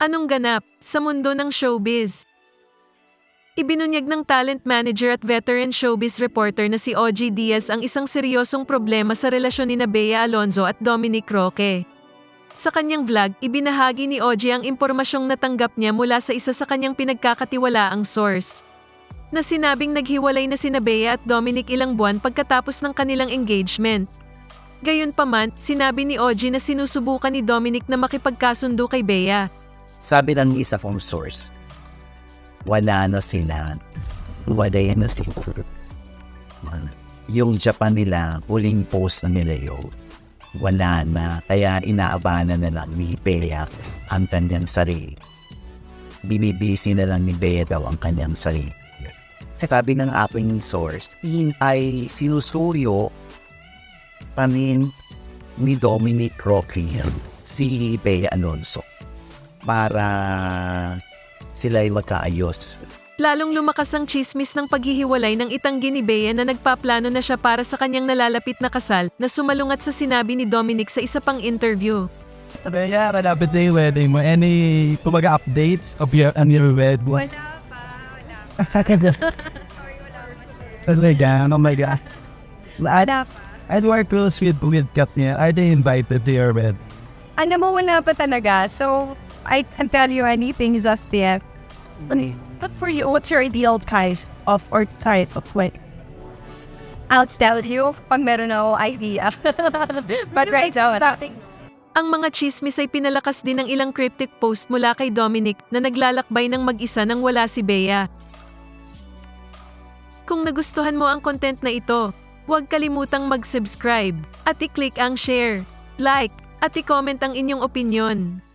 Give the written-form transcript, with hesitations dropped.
Anong ganap sa mundo ng showbiz? Ibinunyag ng talent manager at veteran showbiz reporter na si OG Diaz ang isang seryosong problema sa relasyon ni Bea Alonzo at Dominic Roque. Sa kanyang vlog, ibinahagi ni OG ang impormasyong natanggap niya mula sa isa sa kanyang pinagkakatiwalaang source, na sinabing naghiwalay na sina Bea at Dominic ilang buwan pagkatapos ng kanilang engagement. Gayunpaman, sinabi ni OG na sinusubukan ni Dominic na makipagkasundo kay Bea. Sabi ng isa kong source, wala na sila. Wala na sila. Yung Japan nila, huling post na nila yun, wala na. Kaya inaabanan na lang ni Bea ang kanyang sarili. Binibisi na lang ni Bea daw ang kanyang sarili. Sabi ng aking source, ay sinusuyo pa rin ni Dominic Roque si Bea Alonzo para sila ay magkaayos. Lalong lumakas ang chismis ng paghihiwalay ng itanggi ni Bea na nagpaplano na siya para sa kanyang nalalapit na kasal na sumalungat sa sinabi ni Dominic sa isa pang interview. Bea, malapit na yung wedding mo. Any kumbaga updates of your wedding? Wala pa. Sorry, wala pa sure. Talaga? Oh my God. Wala pa. And we're close with Katnia. Are they invited to your wedding? Alam mo, wala pa talaga. So, I can't tell you anything just yet. But for you, what's your ideal kind of wedding? I'll tell you pag meron ako idea. But right now, nothing. Ang mga chismis ay pinalakas din ng ilang cryptic post mula kay Dominic na naglalakbay ng mag-isa nang wala si Bea. Kung nagustuhan mo ang content na ito, huwag kalimutang mag-subscribe at i-click ang share, like, at i-comment ang inyong opinyon.